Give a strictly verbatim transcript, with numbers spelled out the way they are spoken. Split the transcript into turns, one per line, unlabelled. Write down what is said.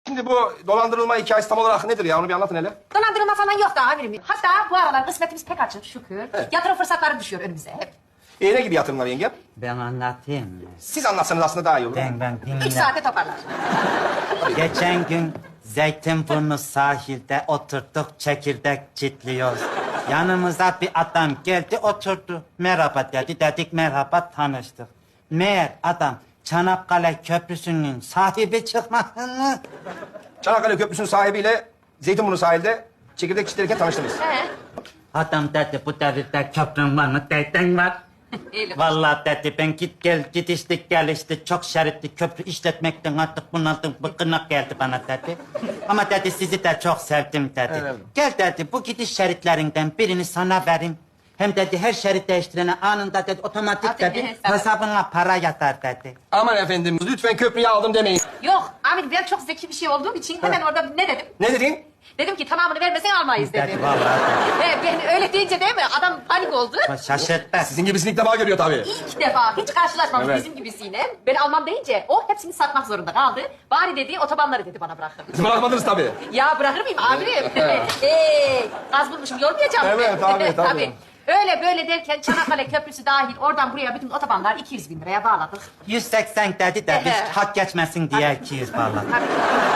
Şimdi bu dolandırılma hikayesi tam olarak nedir ya? Onu bir anlatın hele.
Dolandırılma falan yok da amirim. Hatta bu aralar kısmetimiz pek açık şükür.
Evet.
Yatırım fırsatları düşüyor önümüze hep.
E, ne gibi yatırımlar yengem?
Ben anlatayım mı?
Siz anlatsanız aslında daha iyi olur.
Ben ben
Üç
dinle.
saate toparlar.
Geçen gün Zeytinburnu sahilde oturduk, çekirdek çitliyoruz. Yanımıza bir adam geldi, oturdu. Merhaba dedi, dedik merhaba, tanıştık. Meğer adam Çanakkale Köprüsü'nün sahibi çıkmasını...
Çanakkale Köprüsü'nün sahibiyle Zeytinburnu sahilde çekirdek çitlerken tanıştınız.
He.
Adam dedi, bu devirde köprün var mı? Dedin var.
Öyle.
Vallahi dedi, ben git gel, gidiştik gelişti, çok şeritli köprü işletmekten artık bunaldım, bıkkınlık geldi bana dedi. Ama dedi, sizi de çok sevdim dedi.
Evet.
Gel dedi, bu gidiş şeritlerinden birini sana vereyim. Hem dedi, her şerit değiştirene anında dedi, otomatik
Aferin,
dedi,
sağ ol.
hesabına para yatar dedi.
Aman efendim, lütfen köprüyü aldım demeyin.
Yok amirim ben çok zeki bir şey olduğum için hemen orada ne dedim?
Ne dedin?
Dedim ki tamamını vermesen almayız
Dedi,
dedim.
vallahi dedi.
He, ben öyle deyince değil mi? Adam panik oldu.
Şaşırttı.
Sizin gibisini ilk defa görüyor tabii.
İlk defa hiç karşılaşmamış
Evet.
bizim gibisiyle. Ben almam deyince o hepsini satmak zorunda kaldı. Bari dedi otobanları dedi bana bırakın.
Siz bırakmadınız tabii.
Ya bırakır mıyım amirim? Hey, gaz bulmuşum yormayacağım.
Evet, tabii, tabii.
Öyle böyle derken Çanakkale Köprüsü dahil oradan buraya bütün otobanlar iki yüz bin liraya bağladık.
yüz seksen dedi de biz
Ehe.
hak geçmesin diye iki yüz vallahi.
Tabii.